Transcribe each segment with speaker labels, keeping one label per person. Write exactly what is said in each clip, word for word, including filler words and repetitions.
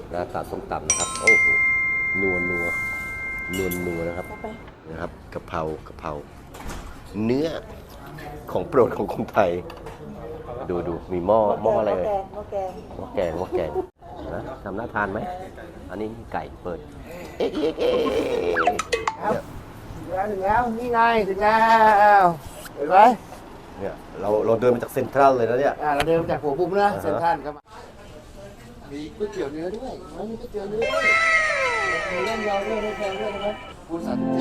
Speaker 1: หน้าตาส้มตำนะครับโอ้โหนัวนัวนัวนัวนะครับนะครับกะเพรากะเพราเนื้อของโปรดของคนไทยดูดูมีหม้อหม้ออะไรเลยหม้อแกงหม้อแกงหม้อแกงนะทำน่าทานไหมอันนี้ไก่เปิดเอ๊ะเอ๊ะเอ๊ะ
Speaker 2: ถึงแล้วถึงแล้วนี่ไงถึงแล้วเห็นไหม
Speaker 1: เนี่ยเราเราเดินมาจากเซ็นทรัลเลยนะเนี่ย
Speaker 2: อ่าเราเดินมาจากหัวมุมนะเซ็นทรัลครับมีก๋วยเตี๋ยวเนื้อด้วยมีก๋วยเตี๋ยวเนื้อด้วยมีเล่นยาวด้วยไม่แพงด้วยนะครับคุณสันติ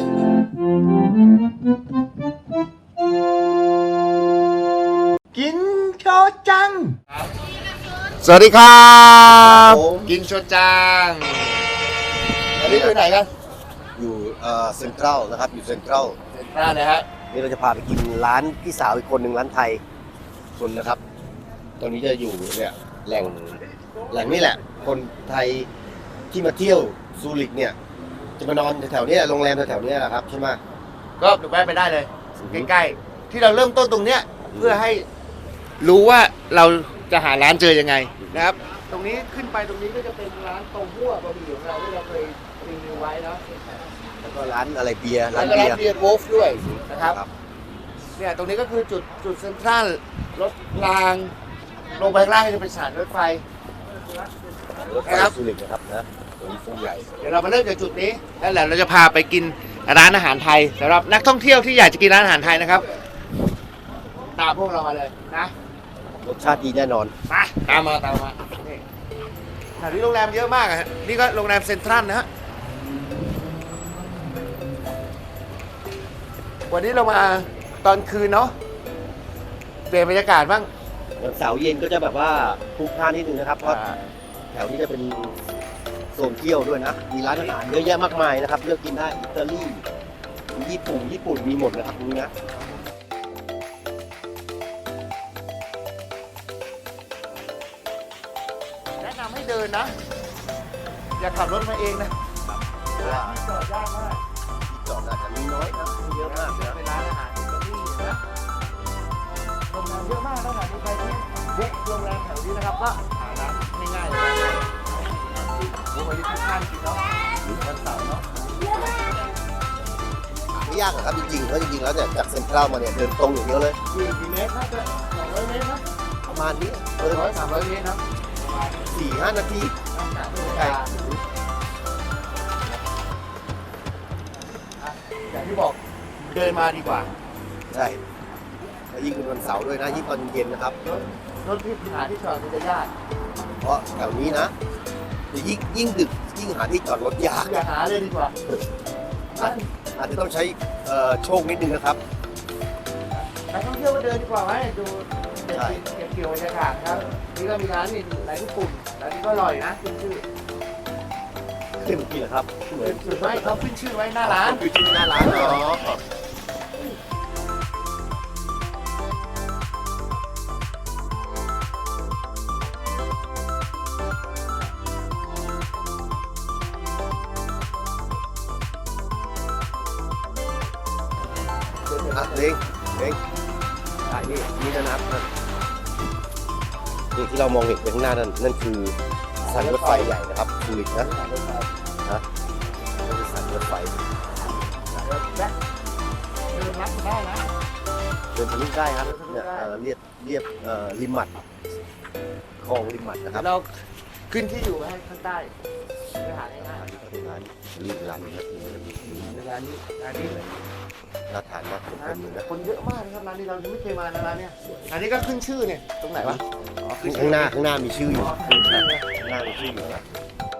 Speaker 2: กินโชจังสวัสดีครับกินโชจังอันนี้ไปไหนกัน
Speaker 1: อยู่เอ่อเซ็นทรัลนะครับอยู่เซ็นทรัล
Speaker 2: เซ็นทรัลนะฮะ
Speaker 1: นี่เราจะพาไปกินร้านพี่สาวอีกคนหนึ่งร้านไทยคนนะครับตอนนี้จะอยู่เนี่ยแหล่งแหล่งนี่แหละ คนไทยที่มาเที่ยวซูริกเนี่ยจะมานอนแถวๆนี้โรงแรมแถวๆนี้แหละครับใช่ไหม
Speaker 2: ก็แวะไปได้เลยใกล้ๆที่เราเริ่มต้นตรงเนี้ยเพื่อให้รู้ว่าเราจะหาร้านเจอยังไงนะครับตรงนี้ขึ้นไปตรงนี้ก็จะเป็นร้านตรงหัวบะหมี่ของเราที่เราเคยรีวิวไว้เนาะ
Speaker 1: แล้วก็ร้านอะไรเบียร์
Speaker 2: ร้านเบียร์เบียร์โวลฟ์ด้วยนะครับเนี่ยตรงนี้ก็คือจุดจุดเซ็นทรัลรถรางลงไปข้างล่างก็จะเป็นสถานรถไฟ
Speaker 1: รถไฟซูริกนะครับนะตรงนี้ฟูใหญ่
Speaker 2: เดี๋ยวเรามาเริ่มจากจุดนี้แล้วแหละเราจะพาไปกินร้านอาหารไทยสำหรับนักท่องเที่ยวที่อยากจะกินร้านอาหารไทยนะครับตามพวกเรามาเลยนะ
Speaker 1: รสชาติดีแน่นอน
Speaker 2: มาตามมาตามมานี่แถวนี้โรงแรมเยอะมากอ่ะนี่ก็โรงแรมเซ็นทรัลนะฮะวันนี้เรามาตอนคืนเนาะเปลี่ยนบรรยากาศบ้าง
Speaker 1: วันเสาร์เย็นก็จะแบบว่าพลุกพล่านนิดนึงนะครับเพราะแถวนี้จะเป็นโซนเที่ยวด้วยนะมีร้านอาหารเยอะแยะมากมายนะครับเลือกกินได้อิตาลีญี่ปุ่นญี่ปุ่นมีหมดนะครับตรงนี้นะ
Speaker 2: แนะนำให้เดินนะอย่าขับรถมาเองนะจอดยากมาก
Speaker 1: จอดอาจจะมีน้อยนะเยอะมากนะ
Speaker 2: เป็นร้านอาหารอิตาลีนะโรงแรมเยอะมากนะหาดูไปที่บุ๊กโรงแรมแถวนี้นะครับก็หาร้านง่ายๆเลยนะบุ๊กไว้ที่ข้างกินเนาะวันเสาร์เนาะ
Speaker 1: ไม่ยากหรอกครับจริงๆเพราะจริงๆแล้วเนี่ยจากเซ็นทรัลมาเนี่ยเดินตรงอย่างเดียวเลย
Speaker 2: กี่เมตรน่าจะสองร้อยเมตรนะ
Speaker 1: ประมาณนี้
Speaker 2: เดินร้อยสามร้อยเมตรนะ
Speaker 1: สี่ห้านาที
Speaker 2: ใช่อย่างที่บอกเดินมาดีกว่า
Speaker 1: ใช่แล้วยิ่งเป็นวันเสาร์ด้วยนะยิ่งตอนเย็นนะครับ
Speaker 2: รถที่หาที่จอดมันจะยาก
Speaker 1: เพราะแถวนี้นะยิ่งยิ่งดึกยิ่งหาที่จอดรถยาก
Speaker 2: อย่าหาเลยดีกว่า
Speaker 1: อาจจะต้องใช้โชคนิดนึงนะครับ
Speaker 2: นักท่องเที่ยวก็เดินดีกว่าไหมดูเก็บเกี่ยวบรรยากาศครับนี่ก็มีร้านนี่ร้านญี่ปุ่นร้านนี้ก็อร่อยนะขึ้นชื่อ
Speaker 1: ขึ้นกี่เหรอครับ
Speaker 2: ขึ้นไม่เขาขึ้นชื่อไว้หน้าร้าน
Speaker 1: ขึ้นชื่อหน้าร้านเหรอเล้งเล้งอ่ะนี่นี่นะครับนี่ที่เรามองเห็นไปข้างหน้านั่นนั่นคือสถานีรถไฟใหญ่นะครับซูริกนะนะนี่คือสถานีรถไฟ
Speaker 2: เดินรับได้นะ
Speaker 1: เดินทะลุได้ครับเนี่ยเรียบเรียบริมมัดคลองริมมัดนะครับ
Speaker 2: เราขึ้นที่อยู่ให้ข้างใต้ไปหาง่ายๆ
Speaker 1: นี่ก็เป็นร้านรีบร้านนี้ครับ
Speaker 2: ร้านนี้ร้านนี้เลย
Speaker 1: น่าทานมากคนเต็มเลยนะ
Speaker 2: คนเยอะมากนะครับร้านนี้เรายังไม่เคยมานะร้านเนี้ยอันนี้ก็ขึ้นชื่อเนี่ยตรงไหนวะ
Speaker 1: ข้างหน้าข้างหน้ามีชื่ออยู่ข้างหน้ามีชื่ออยู่นะ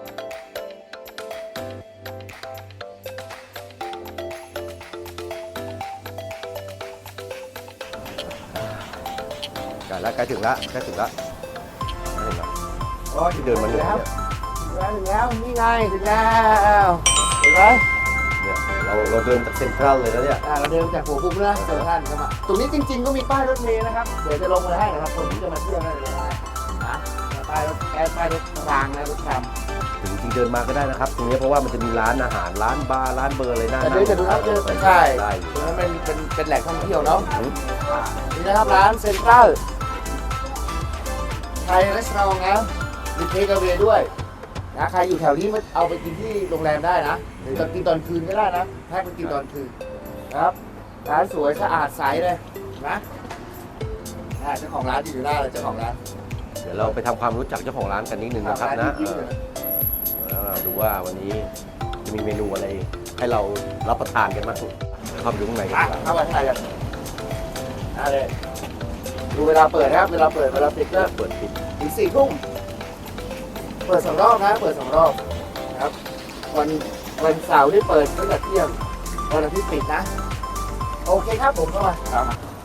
Speaker 1: ใกล้แล้วใกล้ถึงแล้วใกล้ถึงแล้วเห็นไหมอ๋อที่เดินมาเหนื่อยเนี่ย
Speaker 2: ถึงแล้วนี่ไงถึงแล้วเห็นไหม
Speaker 1: เนี่ยเราเราเดินจากเซ็นทรัลเลยนะเนี่ย
Speaker 2: เราเดินจากหัวมุมนะเซ็นทรัลครับตรงนี้จริงๆก็มีป้ายรถเมล์นะครับเดี๋ยวจะลงมาให้นะครับคนที่จะมาเที่ยวได้เลยนะป้ายรถแอร์ป้ายรถรางนะรถทำ
Speaker 1: ถึงจริงเดินมาก็ได้นะครับตรงนี้เพราะว่ามันจะมีร้านอาหารร้านบาร์ร้านเบอร์อะไรน่า
Speaker 2: แต่เดี๋ยวจะดูครับใช่ตรงนั้นเป็นเป็นเป็นแหล่งท่องเที่ยวเนาะนี่นะครับร้านเซ็นทรัลไทยรีสอร์ทนะมีเทคเอาท์ด้วยนนะใครอยู่แถวนี้มาเอาไปกินที่โรงแรมได้นะหรือกินตอนคืนก็ได้นะแพ็คไปกินตอนคืนนะครับร้านสวยสะอาดใสเลยนะอ่าเจ้าของร้านอยู่หน้าเลยเจ้าของร้าน
Speaker 1: เดี๋ยวเราไปทำความรู้จักเจ้าของร้านกันนิดนึงนะครับนะเออแล้วเราดูว่าวันนี้จะมีเมนูอะไรให้เรารับประทานกันบ้างเข้าไปดูข้างในกัน
Speaker 2: อ่ะ
Speaker 1: ดีกว่า
Speaker 2: เข้ามาถ่ายกันอ่ะเลยดูเวลาเปิดนะครับเวลาเปิดเวลาปิดก็
Speaker 1: เปิดปิด
Speaker 2: ถึงสี่ทุ่มเปิดสองรอบนะเปิดสองรอบนะครับวันวันเสาร์ที่เปิดตั้งแต่เที่ยงวันอาทิตย์ปิดนะโอเคครับผมเข้ามาครับ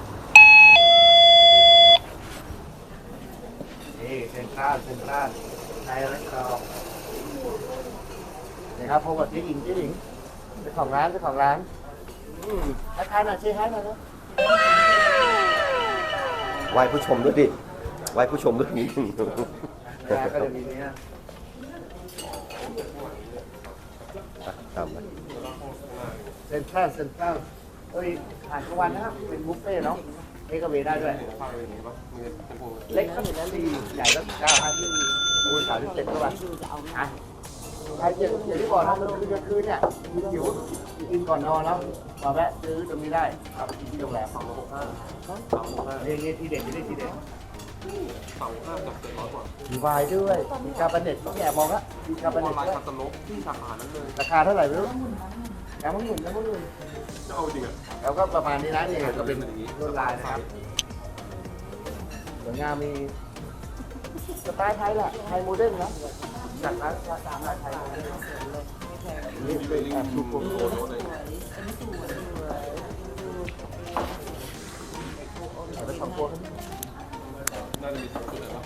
Speaker 2: นี่เซ็นทรัลเซ็นทรัลในร้านเรานี่ครับพบกับเจ๊หญิงเจ๊หญิงเจ้าของร้านเจ้าของร้านอืมทักทายหน่อยเจ๊ให้หน่อยนะ
Speaker 1: ไหว้ผู้ชมด้วยดิไหว้ผู้ชมด้วยนิดนึง
Speaker 2: แกก็จะมีเนี้ย
Speaker 1: ตามไป
Speaker 2: เซ็นทรัลเซ็นทรัลเอ้ยอาหารกลางวันนะครับเป็นบุฟเฟ่ต์เนาะเทคเอาเวได้ด้วยเล็กครับดีใหญ่แล้วเก้าพันคูณสามสิบเจ็ดก็วันอ่ะใครจะอย่างที่บอกนะมันคืนกลางคืนเนี่ยหิวกินก่อนนอนแล้วมาแวะซื้อตรงนี้ได้ครับกินที่โรงแรมสองหกห้านี่นี่ทีเด็ดนี่ทีเด็ดสองห้ากับเจ็ดร้อยกว่ามีวายด้วยมีคาร์บอเนตต้องแอบมองละมีคาร์บอเนตด้วยที่สาขานั้นเลยราคาเท่าไหร่ไม่รู้แอมมันหมุนแอมมันหมุนจะเอาจริงอ่ะแล้วก็ประมาณนี้นะนี่ก็เป็นลวดลายนะครับสวยงามมีสไตล์ไทยแหละไทยโมเดิร์นนะจากร้านตามร้านไทยนี่เป็นแอบดูโปรโมทเลยเอาไปทำโปรน่าจะมีสองชุดนะครับ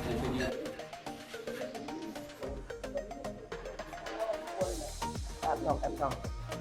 Speaker 2: แอบช่องแอบช่อง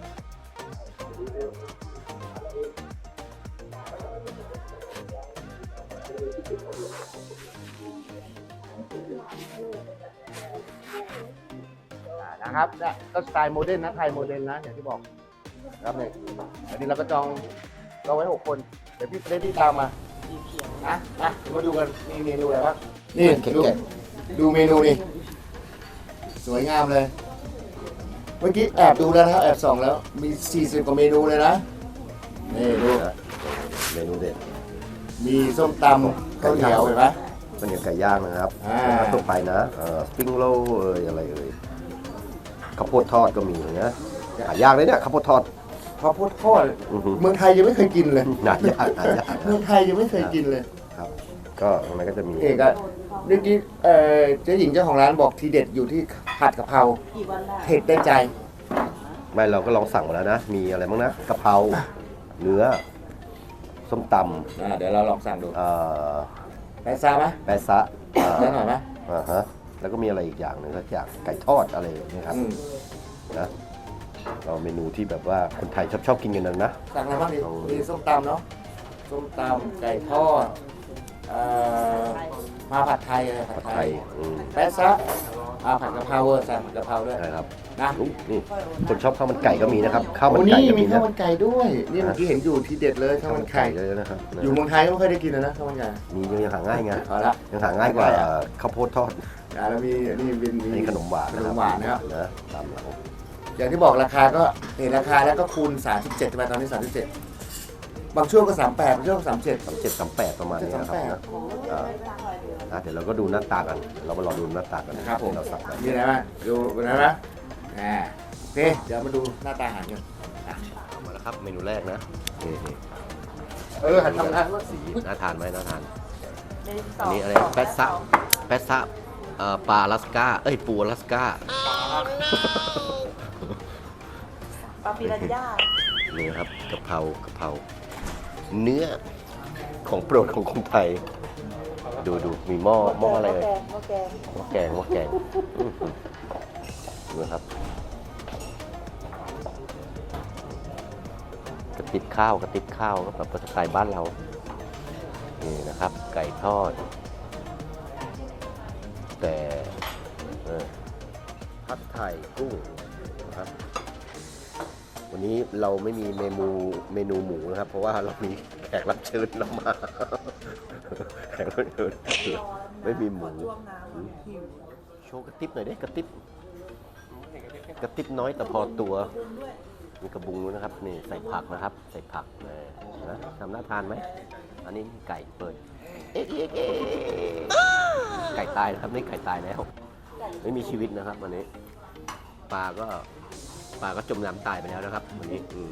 Speaker 2: นะครับเนี่ยก็สไตล์โมเดิร์นนะไทยโมเดิร์นนะอย่างที่บอกครับเนี่ยอันนี้เราก็จองจองไว้หกคนเดี๋ยวพี่เฟรดดี้ตามมานะนะมาดูกันมีเมนูอะไรบ้างนี่ดูดูเมนูนี่สวยงามเลยเมื่อกี้แอบดูแล้วนะครับแอบส่องแล้วมีสี่สิบกว่าเมนูเลยนะนี่ดู
Speaker 1: เมนูเด็ด
Speaker 2: มีส้มตำข้าวเหนียวเห็นไหม
Speaker 1: เป็นอย่างไก่ย่างนะครับ
Speaker 2: อ่า
Speaker 1: แล้วก็ทั่วไปนะเอ่อสปริงโรลเอ่ยอะไรเอ่ยข้าวโพดทอดก็มีนะหายากเลยเนี่ยข้าวโพดทอด
Speaker 2: ข้าวโพดทอด
Speaker 1: อือฮึ
Speaker 2: เมืองไทยยังไม่เคยกินเลย
Speaker 1: หายากหายาก
Speaker 2: เมืองไทยยังไม่เคยกินเลย
Speaker 1: ครับ ก็ตรงนั้นก็จะมี
Speaker 2: เอกอะเมื่อกี้เอ่อเจ๊หญิงเจ้าของร้านบอกทีเด็ดอยู่ที่ผัดกะเพราเผ็ดได้ใจ
Speaker 1: ไม่เราก็ลองสั่งมาแล้วนะ มีอะไรบ้างนะกะเพราเนื้อส้มต
Speaker 2: อ่าเดี๋ยวเราลองสั่งดู
Speaker 1: ำเอ่อ
Speaker 2: แปซ่าไหม
Speaker 1: แปะซะเอ่อ
Speaker 2: ได้หน่อยไหม
Speaker 1: อ่าฮะแล้วก็มีอะไรอีกอย่างหนึ่งก็อย่างไก่ทอดอะไรนะครับ
Speaker 2: อืม
Speaker 1: นะเราเมนูที่แบบว่าคนไทยชอบชอบกินกันนะนะ
Speaker 2: สั่งอะไรบ้างดีมีส้มตำเนาะส้มตำไก่ทอดเอ่อมาผัดไทยเลยผั
Speaker 1: ผั
Speaker 2: ด
Speaker 1: ด
Speaker 2: ไท
Speaker 1: ไท
Speaker 2: ย
Speaker 1: ยอืม
Speaker 2: แปซ่าอ่าผัดกะเพราเวอร์สั่งผัดกะเพราด้วย
Speaker 1: ใช่ครับ
Speaker 2: นะ
Speaker 1: อุ๊ยนี่คนชอบข้าวมันไก่ก็มีนะครับข้าวมัน
Speaker 2: โอ้
Speaker 1: ไก่
Speaker 2: นี่
Speaker 1: ก็
Speaker 2: มี
Speaker 1: มี
Speaker 2: ข้า
Speaker 1: นะ
Speaker 2: วมันไก่ด้วย นี่เมื่อกี้เห็นอยู่ทีเด็ดเลยข้าวมันไก่
Speaker 1: เลยนะครับนะ
Speaker 2: อยู่เมืองไทยก็ไม่เคยได้กินเลยนะข้าวมันไก่
Speaker 1: มียังหาง่ายไง
Speaker 2: เอาละ
Speaker 1: ยังหาง่ายกว่าข้าวโพดทอด
Speaker 2: อ่าแล้วมีนี่เป็นมี
Speaker 1: นี่ขนมหวาน
Speaker 2: ข
Speaker 1: นะ
Speaker 2: น
Speaker 1: ครั
Speaker 2: ม
Speaker 1: บ
Speaker 2: หวานนะครับ
Speaker 1: นะตามหลัง
Speaker 2: อย่างที่บอกราคาก็เห็นราคาแล้วก็คูณสามสิบเจ็ดใช่ไหมตอนนี้สามสิบเจ็ดบางช่วงก็สามแปดบางช่วงก็สามเจ็ด
Speaker 1: สามเจ็ดสามแปดประมาณนี้นะครับนะอ่าอ่ะเดี๋ยวเราก็ดูหน้าตากัน เรามารอดูหน้าตากัน
Speaker 2: ครับผม
Speaker 1: เราสั่งกัน
Speaker 2: มีอะไรบ้างดูนะนะอ่าโอเคเดี๋ยวมาดูหน้าตาอาหารกันอ่ะ
Speaker 1: เอามาแล้วครับเมนูแรกนะนี่นี่
Speaker 2: เออหันทำงานว่าสี
Speaker 1: น่าทานไหมน่าทานอันนี้อะไรแปะซะแปะซะเอ่อปลาอลาสก้าเอ้ยปูอลาสก้า
Speaker 3: ปลาปิรันย่า
Speaker 1: นี่ครับกะเพรากะเพราเนื้อของโปรดของคนไทย ดูดูมีหม้อหม้ออะไร
Speaker 3: หม้
Speaker 1: เอ่
Speaker 3: อย แกงหม้อแกง
Speaker 1: หม้อแกงหม้อแกงอื้อหือดูนะครับกระติบข้าวกระติบข้าวก็แบบสไตล์บ้านเรานี่นะครับ ไก่ทอด แต่เออผัดไทยกุ้งนะครับ วันนี้เราไม่มีเมนูเมนูหมูนะครับ เพราะว่าเรามีแขกรับเชิญเรามา แขกรับเชิญไม่มีหมู
Speaker 3: ช่วงน้ำหิว
Speaker 1: โชว์กระติบหน่อยดิกระติบกระติบน้อยแต่พอตัวมีกระบุงด้วยนะครับนี่ใส่ผักนะครับ ใส่ผักเลยนะทำน่าทานไหมอันนี้ไก่เปิดเอ๊ะเอ๊ะเอ๊ะไก่ตายนะครับนี่ไก่ตายแล้ว ไม่มีชีวิตนะครับวันนี้ปลาก็ปลาก็จมน้ำตายไปแล้วนะครับวันนี้อืม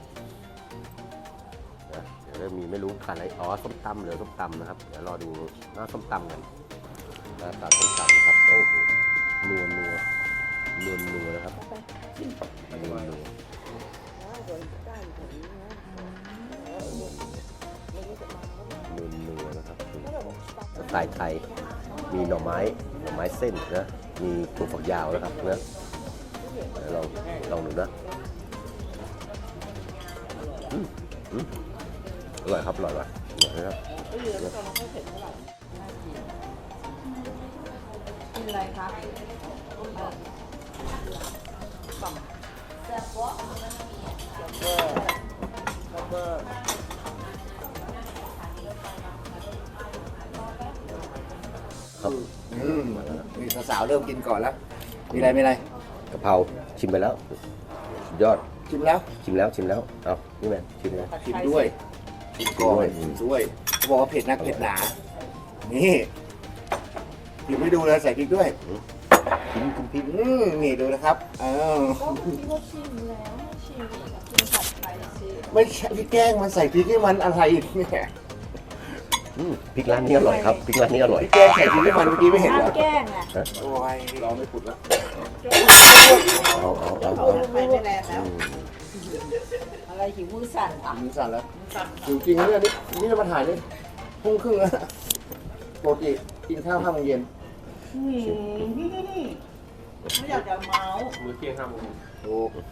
Speaker 1: นะเดี๋ยวเริ่มมีไม่รู้ขาดอะไรอ๋อส้มตำเหลือส้มตำนะครับเดี๋ยวรอดูหน้าส้มตำกันหน้าตาส้มตำนะครับโอ้โหนัวนัวนัวนัวนะครับนัวนัวนัวนัวนะครับสไตล์ไทยมีหน่อไม้หน่อไม้เส้นนะมีถั่วฝักยาวนะครับนะเดี๋ยวลองลองดูนะอืมอืมอร่อยครับอร่อยว่ะอร่อยนะครับ
Speaker 3: กินอะไรคะแซ่บวะแล้วก็
Speaker 1: ครับ
Speaker 2: อืมนี่สาวๆเริ่มกินก่อนแล้ว มีอะไรมีอะไร
Speaker 1: กะเพราชิมไปแล้วสุดยอด
Speaker 2: ชิมแล้ว
Speaker 1: ชิมแล้วชิมแล้วเอานี่แมนชิมเลย
Speaker 2: ชิมด้วยชิมก่อนชิมด้วยเขาบอกว่าเผ็ดนักเผ็ดหนา นี่ชิมไม่ดูเลยใส่พริกด้วย
Speaker 1: ชิมคุณพี่
Speaker 2: อืมนี่ดูนะครับเออ
Speaker 3: ก็คิดว่าชิมแล้วไม่ชิมอีกอะกินผัดไทยสิ
Speaker 2: ไม่ใช่พี่แกล้งมันใส่พริกให้มันอะไรเนี่ย
Speaker 1: อืมพริกร้านนี้อร่อยครับพริกร้านนี้อร่อย
Speaker 2: พี่แกล้งใส่พริกให้มันเมื่อกี้ไม่เห็นเหรอ
Speaker 3: แกล้งอะ
Speaker 2: โอ้ยรอไม่ปุดแล้ว
Speaker 1: เอาเอาเอา
Speaker 3: เขา
Speaker 1: เอา
Speaker 3: ไปไม่แรงแล้ว อะไรหิวมือสั่นอ่ะ
Speaker 2: มือสั่นแล้วหิวจริงนะเนี่ยนี่นี่เรามาถ่ายนี่พุ่งครึ่งแล้วปกติกินข้าวห้าโมงเย็น
Speaker 3: อืมไม่อยากจะเมาส์
Speaker 4: มื้อเที่ยงห้าโมง
Speaker 2: โอ้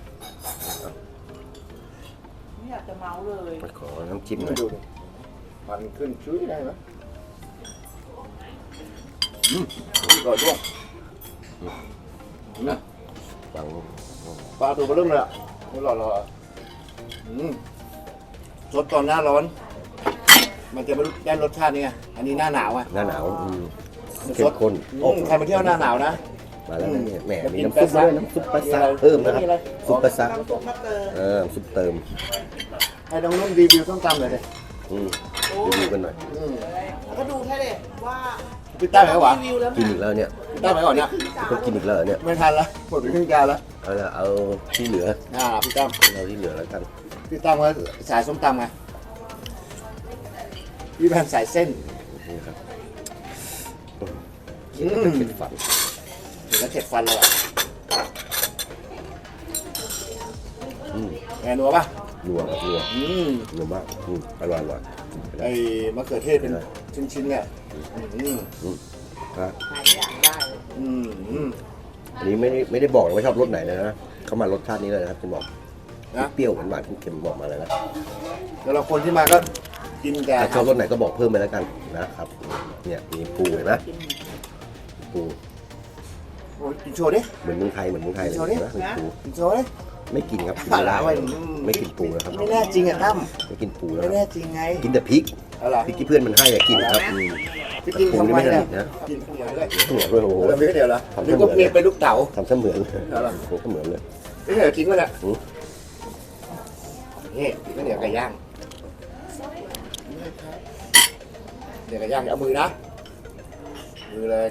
Speaker 3: ไม่อยากจะเมาส์เลย
Speaker 1: ขอน้ำจิ้มหน่
Speaker 2: มา
Speaker 1: อย
Speaker 2: ดูดิมันขึ้นชุ้ยได้ไหมอืมก่อนด้วยนะ
Speaker 1: ฟัง
Speaker 2: ปลาตัวเบอร์เริ่มเลยอ่ะไม่รอรออืมสดตอนหน้าร้อน มันจะไม่รู้ได้รสชาตินี่ไงอันนี้หน้าหนาวอ่ะ
Speaker 1: หน้าหนาวอืม
Speaker 2: มัน
Speaker 1: เข้
Speaker 2: ส
Speaker 1: ม
Speaker 2: ด
Speaker 1: ข้น
Speaker 2: อืมใครมาเที่ยวหน้าหนาวนะ
Speaker 1: มาแล้วนะเนี่ยแหม
Speaker 2: จะ
Speaker 1: มี
Speaker 2: กิน
Speaker 1: น้ำซุป
Speaker 2: แปะซะ
Speaker 1: ด้วยน้ำซุปปลาซาเพิ่มนะครับ
Speaker 2: มีอะไร
Speaker 1: ซุปปลาซา
Speaker 3: น้ำซุปมะเกลือ
Speaker 1: เออซุปเติม
Speaker 2: ให้น้องนุ่นรีวิวส้มตำหน่อยเลย
Speaker 1: อืมรีวิวกันหน่อย
Speaker 2: อืม
Speaker 3: แล้วก็ดูแค่เลยว่า
Speaker 2: พี่ตั้มไหมวะ
Speaker 3: รีวิวแล้ว
Speaker 1: กินอีกแล้วเนี่ย
Speaker 2: พี่ตั้มไหมก่อนเนี่ย
Speaker 1: ก็กินอีกแล้วเหรอเนี่ย
Speaker 2: ไม่ทันละหมดไปครึ่งจานแล้ว
Speaker 1: เอาละเอาที่เหลือ
Speaker 2: อ่าพี่ตั้ม
Speaker 1: เอาที่เหลือแล้วกัน
Speaker 2: พี่ตั้มก็สายส้มตำไงพี่แพนสายเส้น
Speaker 1: นี่ครับ
Speaker 2: อืม
Speaker 1: เผ็ดฝัน
Speaker 2: เห็นแล้วเข็ดฟันเลยอ่ะ
Speaker 1: อืม
Speaker 2: แงนัวปะ
Speaker 1: นัวนัว
Speaker 2: อืม
Speaker 1: นัวมากอืมอร่อยอร่อย
Speaker 2: ไอ้มะเขือเทศเป็นชิ้นๆเนี่ยอืม
Speaker 1: อืมครับ
Speaker 3: หายอยากได้เลย
Speaker 2: อืมอืม
Speaker 1: อันนี้ไม่ได้ไม่ได้บอกนะว่าชอบรสไหนเลยนะเขามารสชาตินี้เลยนะครับจะบอก
Speaker 2: นะ
Speaker 1: เปรี้ยวหวานหวานเค็มๆบอกมาเลยนะ
Speaker 2: แล้วเราคนที่มาก็กินแต่
Speaker 1: ถ้าชอบรสไหนก็บอกเพิ่มไปแล้วกันนะครับ เนี่ยมีปูเห็นไหมปู
Speaker 2: โอ้ยกินโชว์ดิ
Speaker 1: เหมือนเมืองไทยเหมือนเมืองไทยเลย
Speaker 2: โชว์ดิ
Speaker 1: นะมีปู
Speaker 2: กินโชว์ดิ
Speaker 1: ไม่กินครับกิน
Speaker 2: ปลา
Speaker 1: ไม่
Speaker 2: หลา
Speaker 1: ได้
Speaker 2: ไว้
Speaker 1: ไม่กินปูนะครับ
Speaker 2: ไม่แน่จริงอ่ะตั้ม
Speaker 1: ไม่กินปูนะ
Speaker 2: ไม่
Speaker 1: ค
Speaker 2: แน่
Speaker 1: รับ
Speaker 2: จริงไง
Speaker 1: กินแต่พริก
Speaker 2: เอาล่ะ
Speaker 1: พริกที่เพื่อนมันให้อะกินครับอืม
Speaker 2: พี่กิน
Speaker 1: ปู
Speaker 2: ทำ
Speaker 1: นี่
Speaker 2: ไม
Speaker 1: ไม่ส
Speaker 2: เนี่
Speaker 1: นิ
Speaker 2: ย
Speaker 1: ทนะ
Speaker 2: กินเหมือนเลย
Speaker 1: เหมือนเลยโอ้โห
Speaker 2: แล้วมีเดียวเหรอ
Speaker 1: ทำ
Speaker 2: ห
Speaker 1: เส
Speaker 2: รือ
Speaker 1: มื
Speaker 2: ก็
Speaker 1: อน
Speaker 2: เปลี่ยนเป็นลูกเต๋า
Speaker 1: ทำเสมือนเลย
Speaker 2: เอาล่ะ
Speaker 1: โอ้โหเสมือนเลย
Speaker 2: นี่เดี๋ยวทิ้งไว้แหละ
Speaker 1: อืม
Speaker 2: นี่ก็เหนียวไก่ย่างเหนียวไก่ย่างเอามือนะมือเลย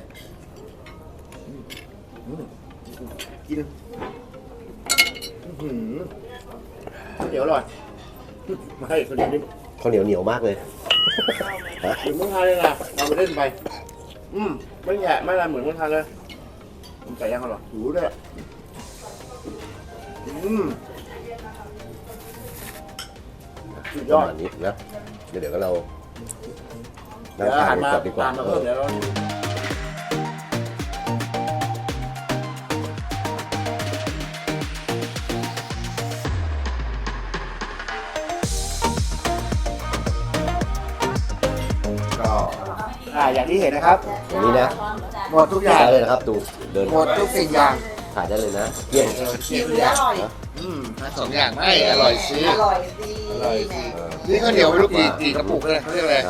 Speaker 2: อืมกินอื้อหือเดี๋ยวอร่อยไม่คนนี้
Speaker 1: ข้าวเหนียวเหนียวมากเลยฮะ
Speaker 2: เหมือนเมืองไทยเลยนะเราไปเล่นไป อืมไม่แย่ไม่อะไรเหมือนเมืองไทยเลยมันไก่ย่างอร่อยหูด้วยอืมสุด
Speaker 1: ป
Speaker 2: ย
Speaker 1: ระ
Speaker 2: อด
Speaker 1: มาณนี้นะเดี๋ยวเดี๋ยวก็เรา
Speaker 2: เดี๋
Speaker 1: นั่
Speaker 2: ยว
Speaker 1: งทาน
Speaker 2: หัน
Speaker 1: กัน
Speaker 2: มา
Speaker 1: ก่อนดีกว่า
Speaker 2: ตามมาเพิ่มเดี๋ยวเราก็อ่าอย่างที่เห็นนะครับ
Speaker 1: อย่างนี้นะ
Speaker 2: หมดทุกอย่าง
Speaker 1: ได้เลยนะครับดูเดิน
Speaker 2: หมดทุกสิ่งอย่าง
Speaker 1: ถ่ายได้เลยนะเยี่ยม
Speaker 3: ชิมแล้วอร่อย
Speaker 2: อืมทั้งสองอย่างไม่อร่อยสิ
Speaker 3: อร่อยดี
Speaker 2: อร่อยดี
Speaker 3: แหม
Speaker 2: นี่ข้าวเหนียวไม่รู้กี่กี่กระปุกเลยเขาเรียกอะไร
Speaker 1: นะ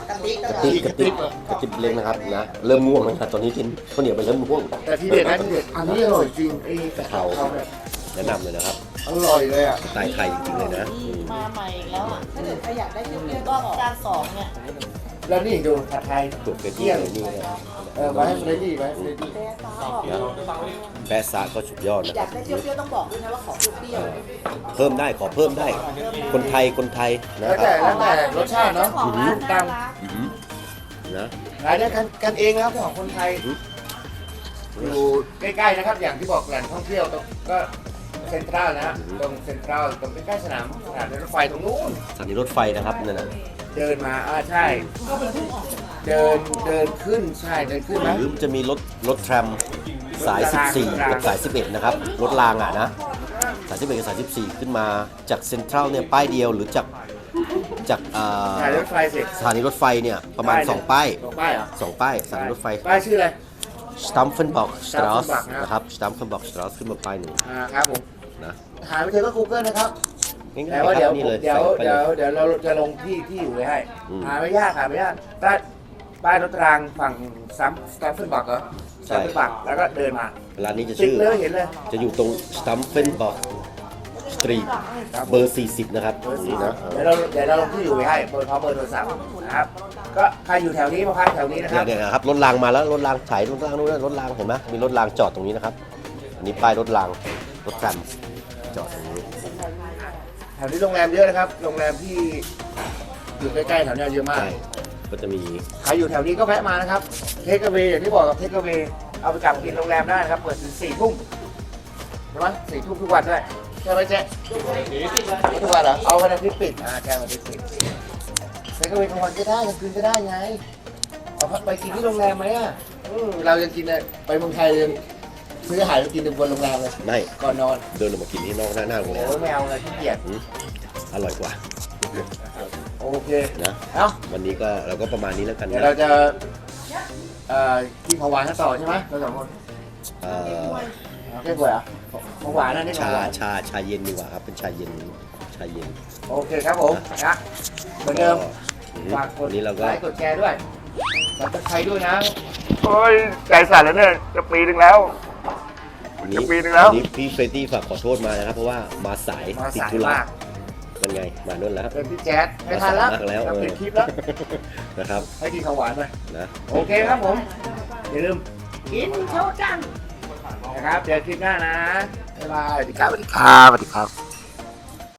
Speaker 3: กะทิ
Speaker 1: กระติบกระติบกระติบเล็กนะครับนะเริ่มง่วงแล้วนะตอนนี้กินข้าวเหนียวไปเริ่มง่วง
Speaker 2: แต่ที่เด็ดนะที่เด็ดอันนี้อร่อยจริงไอ้
Speaker 1: กะเพรา
Speaker 2: เนี่ย
Speaker 1: แนะนำเลยนะครับ
Speaker 2: อร่อยเลยอ่ะ
Speaker 1: สไตล์ไทยจริงๆเลยนะอืม
Speaker 4: มาใหม่อีกแล้วอ่ะ
Speaker 3: ถ้าเกิดใครอยากได้เปรี้ยวๆ
Speaker 4: ก็
Speaker 3: ก็
Speaker 4: จานสองเนี่ย
Speaker 2: แล้วนี่ดูผัดไทย
Speaker 1: ตัวเป็ดที่เลยนี่นะ
Speaker 2: เออมาให้เฟรดดี้มาให้เฟรดดี้
Speaker 3: แต่ฟ้าบอก
Speaker 1: แปะซะก็สุดยอดนะ
Speaker 3: อ
Speaker 1: ค
Speaker 3: ยา
Speaker 1: รับ
Speaker 3: กได้เปรี้ยวๆต้องบอกด้วยนะว่าขอเปรี้ยว
Speaker 1: เพิ่มได้ขอเพิ่มได้ คนไทยคนไทยนะ
Speaker 2: แล้ว
Speaker 1: ครั
Speaker 2: แต่
Speaker 1: บ
Speaker 2: แล้วแต่รสชาติเนาะ
Speaker 4: ของร้านน่ารัก
Speaker 1: อืมนะ
Speaker 2: รายได้กันกันเองนะครับของคนไทยอยู่ใกล้ๆนะครับ อย่างที่บอกแหล่งท่องเที่ยวตรงก็เซ็นทรัลนะฮะตรงเซ็นทรัลตรงใกล้ๆสนามสนามรถไฟตรงนู้น
Speaker 1: สถานีรถไฟนะครับนั่นน่ะ
Speaker 2: เดินมาอ่าใช่ เดินเดินขึ้นใช่เดินขึ้น
Speaker 1: ห
Speaker 2: นะ
Speaker 1: รือจะมีรถรถแทรมสาย สิบสี่ กับสาย สิบเอ็ด นะครับ รถรางอ่ะนะ สาย สิบเอ็ด กับสาย สิบสี่ ขึ้นมาจากเซ็นทรัลเนี่ยป้ายเดียวหรือจากจากเอ่อ
Speaker 2: ถ่ายรถไฟเสร็จ
Speaker 1: สถานีรถไฟเนี่ยประมาณ สอง ป้าย
Speaker 2: สองป้ายเหรอ
Speaker 1: สองป้ายสถานีรถไฟ
Speaker 2: ป้ายชื่ออะไร
Speaker 1: สตัมเฟนบอกสตรอส
Speaker 2: Stamfenbach นะครับ
Speaker 1: นะครับสตัมเฟนบอกสตรอสขึ้นมาป้ายหนึ่ง
Speaker 2: อ่าครับผม
Speaker 1: นะ
Speaker 2: หาไม่เจอก็ Google นะครับ
Speaker 1: ง่าย
Speaker 2: แต่
Speaker 1: ๆ
Speaker 2: ว่า
Speaker 1: ค
Speaker 2: เดี๋ย
Speaker 1: รั
Speaker 2: ว
Speaker 1: บนี่เลย
Speaker 2: เดี๋ยว
Speaker 1: ใส่ไป
Speaker 2: เดี๋
Speaker 1: เลย
Speaker 2: วย เดี๋ยวเราจะลงที่ที่อยู่ไว้ให้
Speaker 1: อืม
Speaker 2: หาไม่ยากหาไม่ยากป้ายป้ายรถรางฝั่งซัมสแตมเฟนบักเหรอส
Speaker 1: ใช่
Speaker 2: แตมเฟนบักแล้วก็เดินมา
Speaker 1: ร้านนี้จะ
Speaker 2: ติด
Speaker 1: ชื่อ
Speaker 2: เลยเห็นเลย
Speaker 1: จะอยู่ตรงสตัมเฟนบอกสตรีท
Speaker 2: ครับ
Speaker 1: เบอร์ สี่สิบ นะครับ
Speaker 2: เบอร์
Speaker 1: ตรง
Speaker 2: สี่
Speaker 1: นี้
Speaker 2: นะ
Speaker 1: นะ
Speaker 2: เดี๋ยวเราเดี๋ยวเราลงที่อยู่ไว้ให้เบอร์เขาเบอร์โทรศัพท์นะครับก็ใครอยู่แถวนี้มาพักแถวนี้นะค
Speaker 1: เนี่
Speaker 2: รับ
Speaker 1: ยเนี่ยนะครับรถรางมาแล้วรถรางถ่ายรถรางนู้นนะรถรางเห็นไหมมีรถรางจอดตรงนี้นะครับอันนี้ป้ายรถรางรถแทรมจอดตรงนี้
Speaker 2: แถวนี้โรงแรมเยอะนะครับโรงแรมที่อยู่ใกล้ๆแถวนี้เยอะมาก
Speaker 1: ใช่ก็จะมี
Speaker 2: ใครอยู่แถวนี้ก็แวะมานะครับเทคเวย์อย่างที่บอกกับเทคเวย์เอาไปกลับกินโรงแรมได้นะครับเปิดถึงสี่ทุ่มใช่ไหมสี่ทุ่มทุกวันด้วยใช่ไหมเจ๊ไม่ทุกวันเหรอเอาวันอาทิตย์ปิดอ่าแกวันอาทิตย์ปิดเทคเวย์กลางวันก็ได้กลางคืนก็ได้ไงเอาไปกินที่โรงแรมไหมอ่ะอืมเรายังกินเลยไปเมืองไทยยังซื้ออาหารไปกินบนโรงแรมเลย
Speaker 1: ไม่
Speaker 2: ก่อนนอน
Speaker 1: เดินออกมากินที่นอกหน้าหน้าโรงแรม
Speaker 2: โอ้ไม่เอาเลยขี้เกียจ
Speaker 1: อืมอร่อยกว่า
Speaker 2: โอเค
Speaker 1: นะ
Speaker 2: เอ้า
Speaker 1: วันนี้ก็เราก็ประมาณนี้แล้วกัน
Speaker 2: เดี๋ยว
Speaker 1: นะ
Speaker 2: เราจะเอ่อกินของหวานกันต่อใช่ไหมเราสองคน
Speaker 1: เอ่อ
Speaker 2: เอาแค่กล้วยเหรอ่ะของหวานนะนี่ของ
Speaker 1: ชา
Speaker 2: หวาน
Speaker 1: ชาชาเย็นดีกว่าครับเป็นชาเย็นชาเย็น
Speaker 2: โอเคครับผมนะเหมือนเดิม
Speaker 1: อืม
Speaker 2: ฝากกด
Speaker 1: วันนี้เราก็
Speaker 2: ไลค์กดแชร์ด้วยสับตะไคร้ด้วยนะโอ้ยใจสั่นแล้วเนี่ยจะปีนึงแล้ว
Speaker 1: วันนี้
Speaker 2: จะปีนึงแล้ว
Speaker 1: วันนี้พี่เฟรดดี้ฝากขอโทษมานะครับ เพราะว่ามาสาย
Speaker 2: มา
Speaker 1: ติด
Speaker 2: สาย
Speaker 1: ธุระ
Speaker 2: มาก
Speaker 1: เป็นไงมาโน่นแล้ว
Speaker 2: เป็นพี่แจ๊ดไม่ทันแล้ว
Speaker 1: มาสายมากแล้ว
Speaker 2: จะ
Speaker 1: เอ
Speaker 2: ปิ
Speaker 1: อ
Speaker 2: ดคลิปแล้ว
Speaker 1: นะครับ
Speaker 2: ให้กินของหวานไป
Speaker 1: นะ
Speaker 2: โอเคครับผมอย่าลืมกินโชว์จังนะครับเจอคลิปหน้านะบ๊ายบายสวัสดีครับสวัสดีครับสวัสดีครับ